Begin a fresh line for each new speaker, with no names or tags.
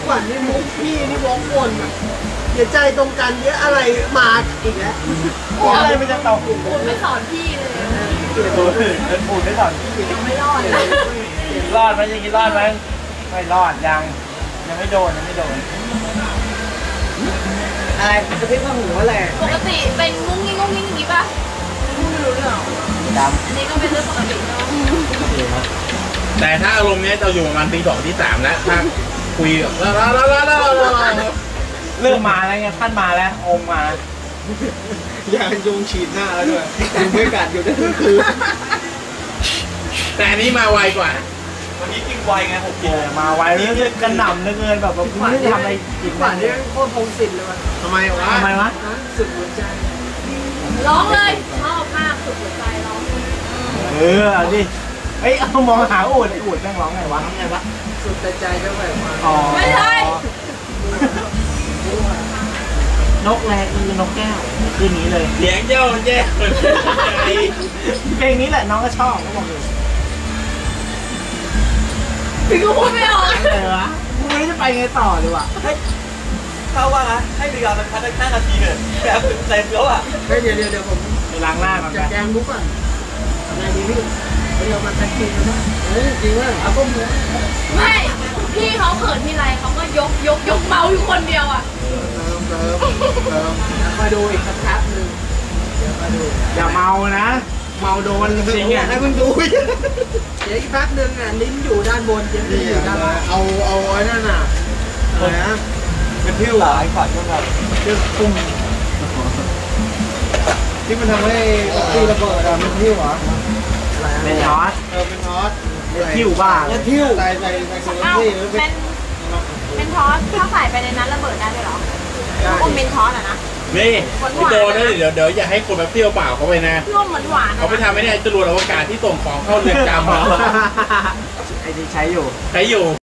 ขวัญนี่มุกพี่นี่วอกวนอ่ะเดี๋ยวใจตรงกันเยอะอะไรมาอีกแล้ว
อะไรมันจะตก
คุณไม่สอนพี่เลย
ปูดไม่สอนพี่
ยังไม่รอดเลย
รอดไหมยังกินรอดไหมไม่รอดยังไม่โดน
อะไรจะพิ้งข้าหูอะไร
ปกติเป็นงุ้งงิ้งอย่างนี้ป่ะไม่รู้เรื่อง
ด
อันนี้ก็เป็นเรื่องปกติเนาะ
แต่ถ้าอารมณ์เนี้ยจะอยู่ประมาณตี 2 ตี 3แล้วถ้าคุยแบบ
เริ่มมาแล้วไงท่านมาแล้วองค์มา
อยากยุงฉีดหน้าแล้วด้วยยุงไม่กัดอยู่ได้คืน
แต่อันนี้มาไวกว่า
วันนี้กินไวไงผมกินมาไวเรื่องกระหน่ำเหลือเกินแบบไม่ได้ทำอะไรกิน
ขวัญนี่โคตรพงศิลป์เลยว่ะทำไมวะสุดหัวใจ
ร้องเลยชอบมากสุดหัวใจร้อง
เอาดิเอ้ยเอามองหาอูดแม่งร้องไงวะ
สุดใจก็แบบ
ไม่ใช่
นกแรคือนกแก้วคืนนี้เลย
เลี้ยงเจ้าแย่
เพลงนี้แหละน้องก็ชอบเขาบอกเลย
พี่ก็พูดไม่ออก
อะไรวะไม่ได้ไปไงต่อเลยวะ
เขาว่านะให้เวลามันพักได้5 นาทีเลยแบบเต็มแล้วอ่ะ
เดี๋ยวผม
ไปล้างหน้าก่อน
จะแกงมุกก่อนอะไรดีพี่เดี๋ยวมาแท็กซี่นะจริงว่าเอาต้มเนื้อ
ไม่พี่เขาเขินทีไรเขาก็ยกเมาอยู่คนเดียวอ่ะ
เติมมาดูอีกสักพักนึงเดี๋ยวมาดู
อย่าเมานะเมาโดนจริงอ่ะ
ให้มึงดูเดี๋ยวอีกพักนึงอ่ะลิ้นอยู่ด้านบนเดี๋ยวอยู่ด้านล่างเอาไอ้นั่นน่ะอะไรนะ
เป็นพิ้วหลายขวัญก็แบบ
เรื่องปุ้มที่มันทำให้ตีระเบิดอะมันพิ้วเหรอ
เป็นน็อต
เป็นน็อต
พิ้วบ้า
พิ้วใส่โซลาร์
เป็นทอสถ้าใส่ไปในนั้นระเบิดได้เลยเหรออมเป็นทอสอะนะ
นี่พี่โดนะเดี๋ยวอย่าให้คนแบบเปรี้ยวเปล่าเขาไปนะ
ร่วมเหมือนหวาน
เขาไปทำไม่ได้จรวดอวกาศที่ส่งของเข้าเรือนจำ
ไอ้ที่ใช้อยู่